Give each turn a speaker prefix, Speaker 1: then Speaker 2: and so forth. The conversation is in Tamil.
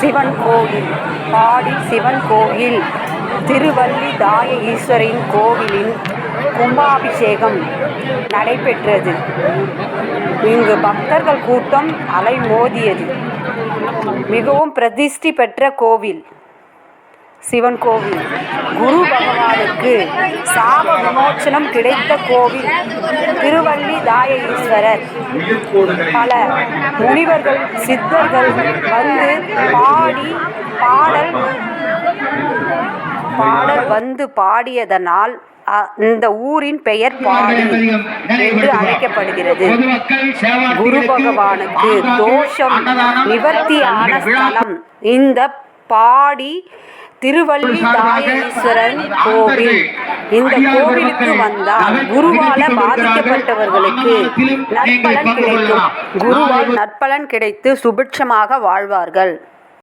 Speaker 1: சிவன் கோவில். பாடி சிவன் கோவில் திருவள்ளி தாய ஈஸ்வரின் கோவிலின் கும்பாபிஷேகம் நடைபெற்றது. இங்கு பக்தர்கள் கூட்டம் அலைமோதியது. மிகவும் பிரதிஷ்டி பெற்ற கோவில் சிவன் கோவில். குரு பகவானுக்கு சாப விமோச்சனம் கிடைத்த கோவில் திருவள்ளி தாய ஈஸ்வரர். பல முனிவர்கள் சித்தர்கள் வந்து பாடியதனால் இந்த ஊரின் பெயர் பாடி என்று அழைக்கப்படுகிறது. குரு பகவானுக்கு தோஷம் நிவர்த்தியான ஸ்தலம் இந்த பாடி திருவள்ளி தாய ஈஸ்வரன் கோவில். இந்த கோவிலுக்கு வந்தால் குருவால பாதிக்கப்பட்டவர்களுக்கு நற்பலன் கிடைக்கும். குருவால் நற்பலன் கிடைத்து சுபிட்சமாக வாழ்வார்கள்.